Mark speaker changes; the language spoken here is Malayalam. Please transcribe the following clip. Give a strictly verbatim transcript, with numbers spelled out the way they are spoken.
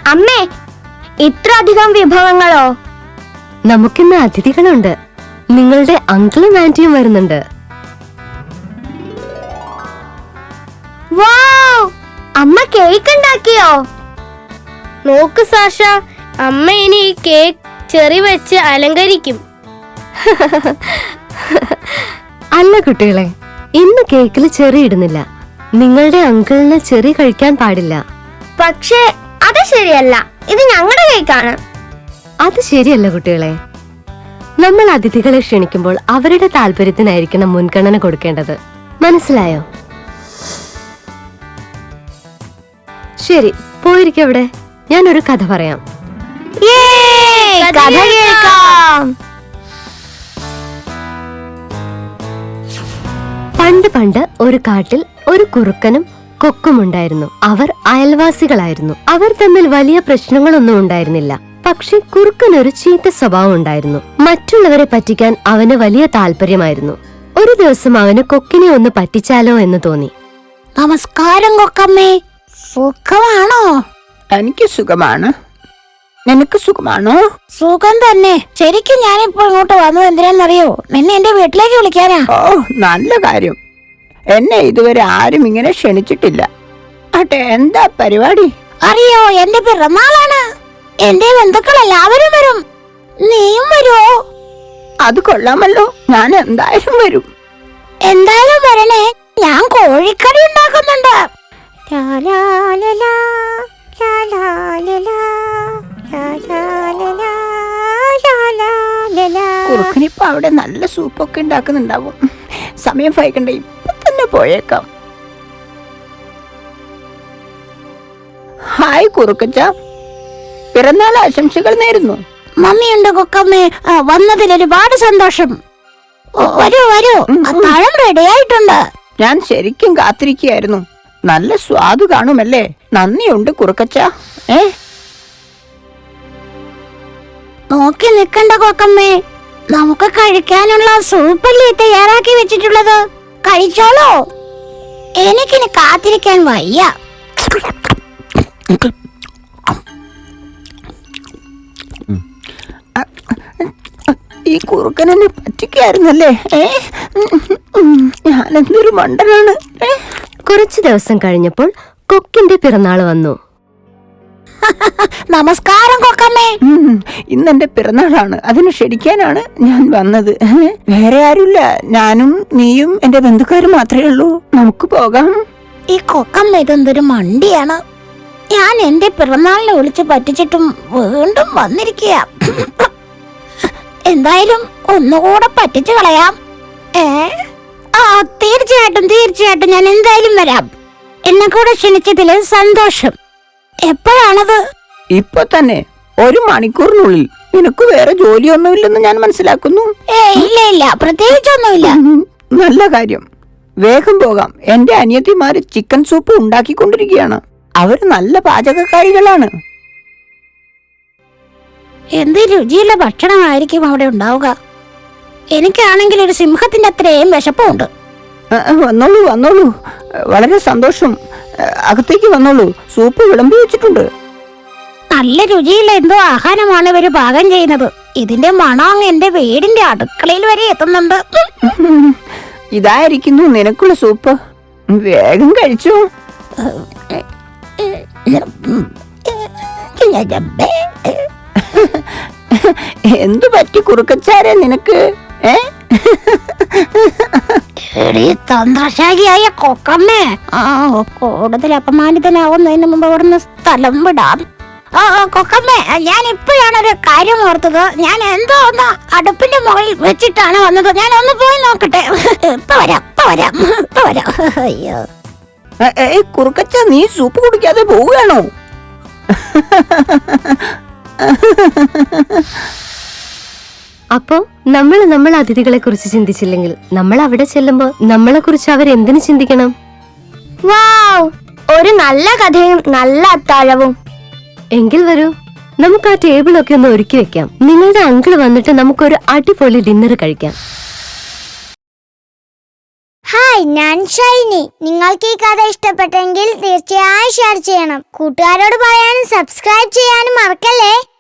Speaker 1: അമ്മേ, ഇത്ര അധികം വിഭവങ്ങളോ?
Speaker 2: നമുക്കിന്ന് അതിഥികളുണ്ട്. നിങ്ങളുടെ അങ്കിളും ആന്റിയും വരുന്നുണ്ട്.
Speaker 1: വാവ്! അമ്മ കേക്ക് ഉണ്ടാക്കിയോ?
Speaker 3: നോക്ക് സാഷ, അമ്മ ഇനി ഈ കേക്ക് ചെറി വെച്ച് അലങ്കരിക്കും.
Speaker 2: അല്ല കുട്ടികളെ, ഇന്ന് കേക്കിൽ ചെറി ഇടുന്നില്ല. നിങ്ങളുടെ അങ്കിളിന് ചെറി കഴിക്കാൻ പാടില്ല.
Speaker 1: പക്ഷേ അത് ശരിയല്ല, ഇത് ഞങ്ങളുടെ കേക്കാണ്.
Speaker 2: അത് ശരിയല്ല കുട്ടികളെ. നമ്മൾ അതിഥികളെ ക്ഷണിക്കുമ്പോൾ അവരുടെ താല്പര്യത്തിനായിരിക്കണം മുൻഗണന കൊടുക്കേണ്ടത്. മനസ്സിലായോ? ശരി, പോയിരിക്കവിടെ. ഞാനൊരു കഥ പറയാം.
Speaker 1: കഥ കേൾക്കാം.
Speaker 2: പണ്ട് പണ്ട് ഒരു കാട്ടിൽ ഒരു കുറുക്കനും കൊക്കുമുണ്ടായിരുന്നു. അവർ അയൽവാസികളായിരുന്നു. അവർ തമ്മിൽ വലിയ പ്രശ്നങ്ങളൊന്നും ഉണ്ടായിരുന്നില്ല. പക്ഷെ കുറുക്കനൊരു ചീത്ത സ്വഭാവം ഉണ്ടായിരുന്നു. മറ്റുള്ളവരെ പറ്റിക്കാൻ അവന് വലിയ താല്പര്യമായിരുന്നു. ഒരു ദിവസം അവന് കൊക്കിനെ ഒന്ന് പറ്റിച്ചാലോ എന്ന് തോന്നി.
Speaker 4: നമസ്കാരം കൊക്കമ്മേ, സുഖമാണോ?
Speaker 5: എനിക്ക് സുഖമാണ്. നിനക്ക് സുഖമാണോ?
Speaker 4: സുഖം തന്നെ. ശരിക്കും ഞാനിപ്പോ ഇങ്ങോട്ട് വന്നത് എന്തിനാന്നറിയോ? നിന്നെ എന്റെ വീട്ടിലേക്ക് വിളിക്കാനാ.
Speaker 5: ഓ, നല്ല കാര്യം. എന്നെ ഇതുവരെ ആരും ഇങ്ങനെ ക്ഷണിച്ചിട്ടില്ല. ആട്ടെ, എന്താ പരിപാടി?
Speaker 4: അറിയോ, എന്റെ പിറന്നാളാണ്. എന്റെ ബന്ധുക്കൾ എല്ലാവരും വരും. നീയും വരുമോ?
Speaker 5: അത് കൊള്ളാമല്ലോ. ഞാൻ എന്തായാലും വരും.
Speaker 4: എന്തായാലും വരണേ. ഞാൻ കോഴിക്കറി ഉണ്ടാക്കുന്നുണ്ട്.
Speaker 5: കുറുക്കനിപ്പോ അവിടെ നല്ല സൂപ്പൊക്കെ ഉണ്ടാക്കുന്നുണ്ടാവും. സമയം വൈകണ്ട, ഇപ്പൊ തന്നെ പോയേക്കാം. ഹായ് കുറുക്കച്ച, പിറന്നാൾ ആശംസകൾ നേരുന്നു.
Speaker 4: മമ്മിയുണ്ട് കൊക്കമ്മേ. വന്നതിൽ ഒരുപാട് സന്തോഷം. വരൂ വരൂ, അത്താഴം റെഡിയായിട്ടുണ്ട്.
Speaker 5: ഞാൻ ശരിക്കും കാത്തിരിക്കുകയായിരുന്നു. നല്ല സ്വാദ് കാണുമല്ലേ? നന്ദിയുണ്ട് കുറുക്കച്ച. ഏ
Speaker 4: നോക്കി നിക്കണ്ട കൊക്കമ്മേ, നമുക്ക് കഴിക്കാനുള്ള സൂപ്പല്ലേ തയ്യാറാക്കി വെച്ചിട്ടുള്ളത്. കഴിച്ചോളൂ. എനിക്കിനി കാത്തിരിക്കാൻ വയ്യ.
Speaker 5: ഈ കുറുക്കനെന്നെ പറ്റിക്കായിരുന്നല്ലേ? ഞാനെന്തൊരു മണ്ടനാണ്.
Speaker 2: കുറച്ചു ദിവസം കഴിഞ്ഞപ്പോൾ കൊക്കിന്റെ പിറന്നാൾ വന്നു.
Speaker 4: നമസ്കാരം കൊക്കമ്മേ.
Speaker 5: ഇന്നെന്റെ പിറന്നാളാണ്. അതിന് ക്ഷണിക്കാനാണ് ഞാൻ വന്നത്. വേറെ ആരുമില്ല. ഞാനും നീയും എന്റെ ബന്ധുക്കാരും മാത്രമേ ഉള്ളൂ. നമുക്ക് പോകാം.
Speaker 4: ഈ കൊക്കമ്മ ഇതെന്തൊരു മണ്ടിയാണ്. ഞാൻ എന്റെ പിറന്നാളിനെ വിളിച്ച് പറ്റിച്ചിട്ടും വീണ്ടും വന്നിരിക്കുക. എന്തായാലും ഒന്നുകൂടെ പറ്റിച്ചു കളയാം. ഏ ആ തീർച്ചയായിട്ടും തീർച്ചയായിട്ടും ഞാൻ എന്തായാലും വരാം. എന്നെ കൂടെ ക്ഷണിച്ചതില് സന്തോഷം. എപ്പോഴാണത്?
Speaker 5: ഇപ്പൊ തന്നെ, ഒരു മണിക്കൂറിനുള്ളിൽ. നിനക്ക് വേറെ ജോലിയൊന്നുമില്ലെന്ന് ഞാൻ മനസ്സിലാക്കുന്നു.
Speaker 4: ഏ ഇല്ല ഇല്ല, പ്രത്യേകിച്ചൊന്നുമില്ല.
Speaker 5: നല്ല കാര്യം. വേഗം പോകാം. എന്റെ അനിയത്തിമാര് ചിക്കൻ സൂപ്പ് ഉണ്ടാക്കിക്കൊണ്ടിരിക്കുകയാണ്. അവര് നല്ല പാചകക്കാരികളാണ്.
Speaker 4: എന്ത് രുചിയുള്ള ഭക്ഷണമായിരിക്കും അവിടെ ഉണ്ടാവുക. എനിക്കാണെങ്കിൽ ഒരു സിംഹത്തിന്റെ അത്രയും വിശപ്പുണ്ട്.
Speaker 5: വന്നോളൂ വന്നോളൂ. വളരെ സന്തോഷം. അകത്തേക്ക് വന്നോളൂ. സൂപ്പ് വിളമ്പി വെച്ചിട്ടുണ്ട്.
Speaker 4: നല്ല രുചിയുള്ള എന്തോ ആഹാരമാണ് ഇവര് പാകം ചെയ്യുന്നത്. ഇതിന്റെ മണം അങ്ങ് എന്റെ വീടിന്റെ അടുക്കളയിൽ വരെ എത്തുന്നുണ്ട്.
Speaker 5: ഇതായിരിക്കുന്നു നിനക്കുള്ള സൂപ്പ്. വേഗം കഴിച്ചു. എന്തു പറ്റി കുറുക്കച്ചാരെ നിനക്ക്? ഏ
Speaker 4: തന്ത്രശാലിയായ കൊക്കമ്മേ, ആ കൂടുതൽ അപമാനിതനാവുന്നതിന് മുമ്പ് അവിടുന്ന് സ്ഥലം വിടാം. ആ കൊക്കമ്മേ, ഞാൻ ഇപ്പോഴാണ് ഒരു കാര്യം ഓർത്തത്. ഞാൻ എന്തോ ഒന്ന് അടുപ്പിന്റെ മുകളിൽ വെച്ചിട്ടാണ് വന്നത്. ഞാൻ ഒന്ന് പോയി നോക്കട്ടെ. ഇപ്പൊ വരാം ഇപ്പൊ വരാം ഇപ്പൊ വരാം. അയ്യോ,
Speaker 5: കുറുക്കച്ച, നീ സൂപ്പ് കുടിക്കാതെ പോവുകയാണോ?
Speaker 2: അപ്പോ നമ്മൾ നമ്മൾ അതിഥികളെ കുറിച്ച് ചിന്തിച്ചില്ലെങ്കിൽ നമ്മൾ അവിടെ ചെല്ലുമ്പോ നമ്മളെ കുറിച്ച് അവരെന്തിനു ചിന്തിക്കണം?
Speaker 1: വാവ്! ഒരു നല്ല കഥയും നല്ല അത്താഴവും.
Speaker 2: എങ്കിൽ വരൂ, നമുക്ക് ആ ടേബിളൊക്കെ ഒന്ന് ഒരുക്കി വെക്കാം. നിങ്ങളുടെ അങ്കിൾ വന്നിട്ട് നമുക്കൊരു അടിപൊളി ഡിന്നർ കഴിക്കാം.
Speaker 1: ഹായ്, ഹായ്, ഞാൻ ഷൈനി. നിങ്ങൾക്ക് ഈ കഥ ഇഷ്ടപ്പെട്ടെങ്കിൽ തീർച്ചയായും ഷെയർ ചെയ്യണം. കൂട്ടുകാരോട് പറയാനും സബ്സ്ക്രൈബ് ചെയ്യാനും മറക്കല്ലേ.